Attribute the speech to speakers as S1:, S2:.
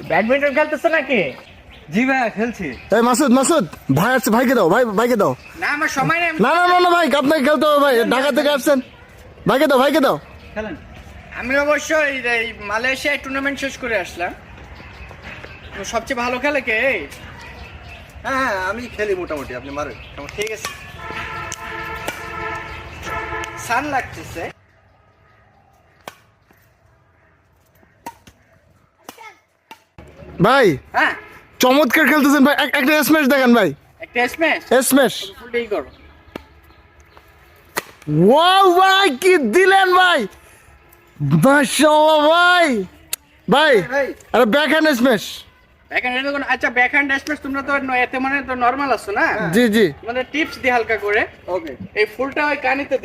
S1: Badminton খেলতেছো নাকি?
S2: জি ভাইয়া খেলছি।
S3: এই মাসুদ মাসুদ ভাই আসছে, ভাইকে দাও, ভাইকে দাও।
S1: না আমার সময় নেই।
S3: না না না না ভাই, আপনাকে খেলতে হবে ভাই, ঢাকা থেকে আসছেন। ভাইকে দাও।
S2: খেলেন।
S1: আমি অবশ্যই এই মালয়েশিয়ায় টুর্নামেন্ট শেষ করে আসলাম। তো সবচেয়ে ভালো খেলে কে?
S2: হ্যাঁ আমি খেলি মোটামুটি, আপনি মারেন।
S1: ঠিক আছে। সান লাগতেছে।
S3: ভাই
S1: হ্যাঁ
S3: চমৎকার খেলতেছেন ভাই, একটা স্ম্যাশ দেখেন ভাই,
S1: একটা স্ম্যাশ।
S3: স্ম্যাশ।
S1: ফুলটাই করো।
S3: ওয়াও ভাই কি দিলেন ভাই, মাশাআল্লাহ ভাই। ভাই
S2: ভাই
S3: আরে ব্যাকহ্যান্ড স্ম্যাশ।
S1: ব্যাকহ্যান্ড এটা কোন? আচ্ছা ব্যাকহ্যান্ড স্ম্যাশ তোমরা তো এতে মানে তো নরমাল আছো না?
S3: জি
S1: তোমাদের টিপস দি হালকা করে।
S2: ওকে।
S1: এই ফুলটা ওই কানিতে